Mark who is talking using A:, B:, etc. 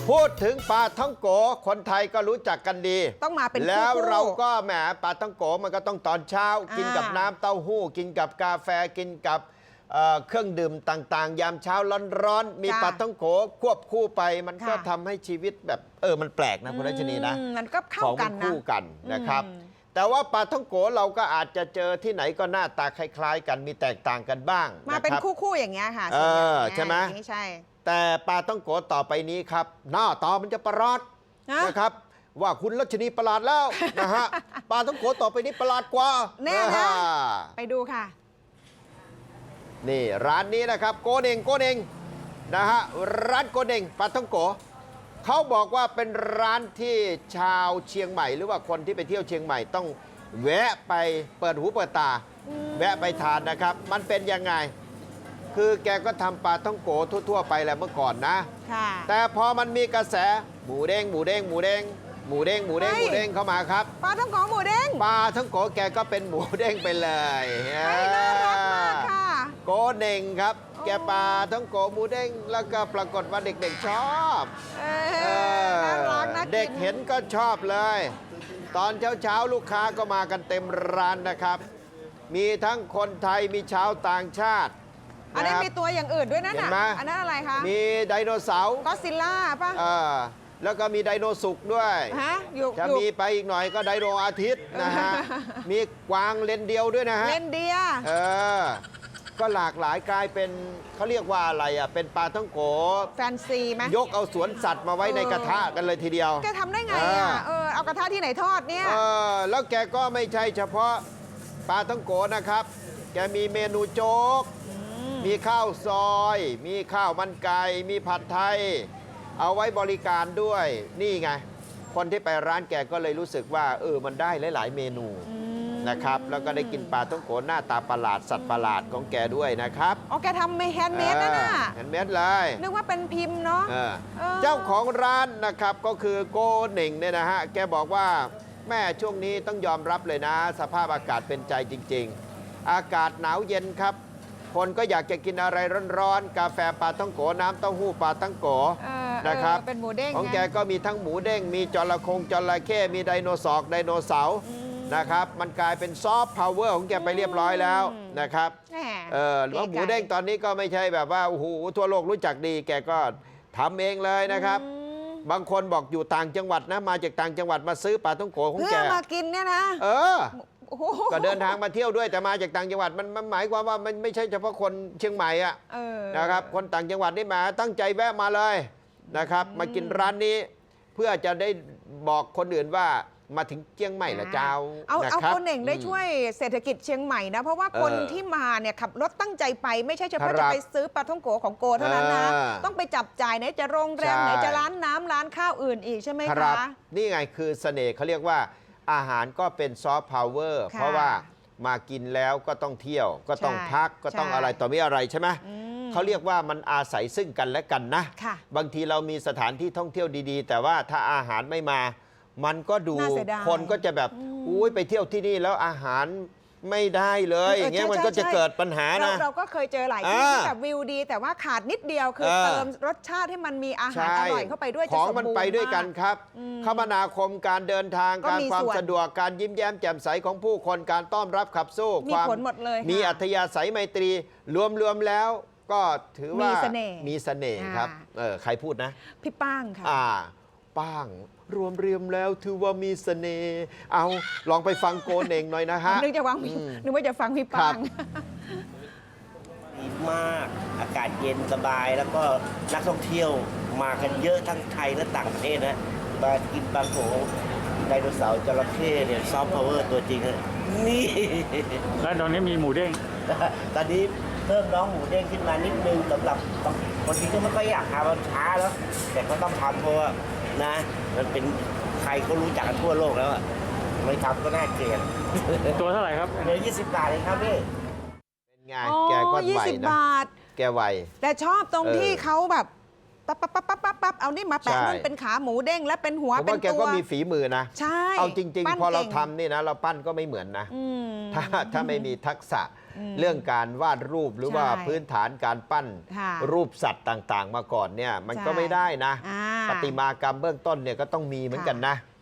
A: พูดถึงปลาท่องโกคนไทยก็รู้จักกันดี
B: ต้องมาเป็นคู่
A: แล้วเราก็แหมปลาท่องโกมันก็ต้องตอนเช้ากินกับน้ำเต้าหู้กินกับกาแฟกินกับเครื่องดื่มต่างๆยามเช้าร้อนๆมีปลาท่องโกควบคู่ไปมันก็ทำให้ชีวิตแบบมันแปลกนะคุณรัชนีนะ
B: มันก็เข้ากันนะ
A: คู่กันนะครับแต่ว่าปลาท่องโกเราก็อาจจะเจอที่ไหนก็หน้าตาคล้ายๆกันมีแตกต่างกันบ้าง
B: มาเป็นคู่ๆอย่างเงี้ยค่ะ
A: ใช่ไหม
B: ใช่
A: แต่ปลาท่องโกต่อไปนี้ครับหน้าตามันจะประหลาดนะครับว่าคุณรัชนีประหลาดแล้วนะฮะปลาท่องโกต่อไปนี้ประหลาดกว่า
B: แน่นะไปดูค่ะ
A: นี่ร้านนี้นะครับโกเน่งนะฮะร้านโกเน่งปลาท่องโกเขาบอกว่าเป็นร้านที่ชาวเชียงใหม่หรือว่าคนที่ไปเที่ยวเชียงใหม่ต้องแวะไปเปิดหูเปิดตาแวะไปทานนะครับมันเป็นยังไงคือแกก็ทำปลาท่องโกทั่วๆไปแหละเมื่อก่อนนะแต่พอมันมีกระแสหมูเด้งเข้ามาครับ
B: ปลาท่องโกหมูเด้ง
A: ปลาท่องโกแกก็เป็นหมูเด้งไปเลย
B: น่ารักมากค่ะ
A: โกเน่งครับแกปลาท่องโกหมูเด้งแล้วก็ปรากฏว่าเด็กๆชอบ
B: น่ารักนะ
A: เด็กเห็นก็ชอบเลยตอนเช้าลูกค้าก็มากันเต็มร้านนะครับมีทั้งคนไทยมีชาวต่างชาติ
B: อันนี้มีตัวอย่างอื่นด้วยนะอันนั้นอะไรคะ
A: มีไดโนเสาร์
B: ก็ซิลล่าป่ะ
A: แล้วก็มีไดโนสุกด้วยจะมีไปอีกหน่อยก็ไดโนอาทิตย์นะฮะมีกวางเลนเดียวด้วยนะฮะ
B: เลนเดีย
A: ก็หลากหลายกลายเป็นเขาเรียกว่าอะไรเป็นปลาท่องโก
B: แฟนซีไหม
A: ยกเอาสวนสัตว์มาไว้ในกระทะกันเลยทีเดียว
B: แกทำได้ไงเอากระทะที่ไหนทอดเนี่ย
A: แล้วแกก็ไม่ใช่เฉพาะปลาท่องโกนะครับแกมีเมนูโจ๊กมีข้าวซอยมีข้าวมันไก่มีผัดไทยเอาไว้บริการด้วยนี่ไงคนที่ไปร้านแกก็เลยรู้สึกว่ามันได้หลายๆเมนูนะครับแล้วก็ได้กินปลาท่องโกหน้าตาประหลาดสัตว์ประหลาดของแกด้วยนะครับ
B: แกทำแฮนด์เมดนะ
A: แฮนด์เมดเลย
B: นึกว่าเป็นพิมพ์เนาะ
A: เจ้าของร้านนะครับก็คือโกเน่งเนี่ยนะฮะแกบอกว่าแม่ช่วงนี้ต้องยอมรับเลยนะสภาพอากาศเป็นใจจริงๆอากาศหนาวเย็นครับคนก็อยากจะกินอะไรร้อนๆกาแฟปลาท่องโกน้ำเต้าหู้ปลาท่องโกนะครับ
B: เป็นหมูเด้ง
A: ของแกก็มีทั้งหมูเด้งมีจระเข้มีไดโนเสาร์นะครับมันกลายเป็นซอฟต์พาวเวอร์ของแกไปเรียบร้อยแล้วนะครับแล้วหมูเด้งตอนนี้ก็ไม่ใช่แบบว่าโอ้โหทั่วโลกรู้จักดีแกก็ทำเองเลยนะครับบางคนบอกอยู่ต่างจังหวัดนะมาจากต่างจังหวัดมาซื้อปลาท่องโกของแก
B: เพื่อมากินเนี่ยนะ
A: ก็เดินทางมาเที่ยวด้วยแต่มาจากต่างจังหวัดมันหมายความว่ามันไม่ใช่เฉพาะคนเชียงใหม่นะครับคนต่างจังหวัดนี่มาตั้งใจแวะมาเลยนะครับมากินร้านนี้เพื่อจะได้บอกคนอื่นว่ามาถึงเชียงใหม่ละเจ้า
B: เอาคนเองได้ช่วยเศรษฐกิจเชียงใหม่นะเพราะว่าคนที่มาเนี่ยขับรถตั้งใจไปไม่ใช่เฉพาะจะไปซื้อปลาท่องโกของโกเท่านั้นนะต้องไปจับจ่ายไหนจะโรงแรมไหนจะร้านน้ำร้านข้าวอื่นอีกใช่ไหมคะ
A: นี่ไงคือเสน่ห์เขาเรียกว่าอาหารก็เป็นซอฟต์พาวเวอร์เพราะว่ามากินแล้วก็ต้องเที่ยวก็ต้องพักก็ต้องอะไรต่อมีอะไรใช่ไหมเขาเรียกว่ามันอาศัยซึ่งกันและกันนะบางทีเรามีสถานที่ท่องเที่ยวดีๆแต่ว่าถ้าอาหารไม่มามันก็ดูคนก็จะแบบอุ้ยไปเที่ยวที่นี่แล้วอาหารไม่ได้เลยอย่างเงี้ยมันก็จะเกิดปัญหานะ
B: เราก็เคยเจอหลายที่ที่แบบวิวดีแต่ว่าขาดนิดเดียวคือเติมรสชาติให้มันมีอาหารอร่อยเข้าไปด้วย
A: ของมันไปด้วยกันครับคมนาคมการเดินทางการความสะดวกการยิ้มแย้มแจ่มใสของผู้คนการต้อนรับขับสู้
B: ความ
A: มีอัธยาศัยไมตรีรวมแล้วก็ถือว่ามีเสน่ห์ครับใครพูดนะ
B: พี่ป้างค่ะ
A: ป้างรวมเรียมแล้วถือว่ามีเสน่ห์เอาลองไปฟังโกเน่งหน่อยนะฮะ
B: นึกว่าจะฟังพี่ป้าง
C: ดีมากอากาศเย็นสบายแล้วก็นักท่องเที่ยวมากันเยอะทั้งไทยและต่างประเทศนะมากินปลาโขไดโนเสาร์จระเข้เนี่ยซอฟต์พาวเวอร์ตัวจริงนี่
D: แล้วตอนนี้มีหมูเด้ง
C: ตอนนี้เพิ่มน้องหมูเด้งขึ้นมานิดนึงสำหรับบางทีก็ไม่ค่อยอยากทำมันช้าแล้วแต่ก็ต้องทำเพราะว่านะมันเป็นใครก็รู้จักกันทั่วโลกแล้วอ่ะไม่ทำก็น่าเกลียด
D: ตัวเท่าไหร่ครับ
C: เหลือ20 บาทเองครับพี่
A: เป็นไงแกก็ไหวนะแกไหว
B: แต่ชอบตรงที่เขาแบบปั๊บเอานี่มาแปะนั่นเป็นขาหมูเด้งและเป็นหัวเป็นตัว
A: แกก็มีฝีมือนะ
B: ใช่
A: เอาจริงๆพอเราทำนี่นะเราปั้นก็ไม่เหมือนนะถ้าไม่มีทักษะเรื่องการวาดรูปหรือว่าพื้นฐานการปั้นรูปสัตว์ต่างๆมาก่อนเนี่ยมันก็ไม่ได้นะประติมากรรมเบื้องต้นเนี่ยก็ต้องมีเหมือนกันนะ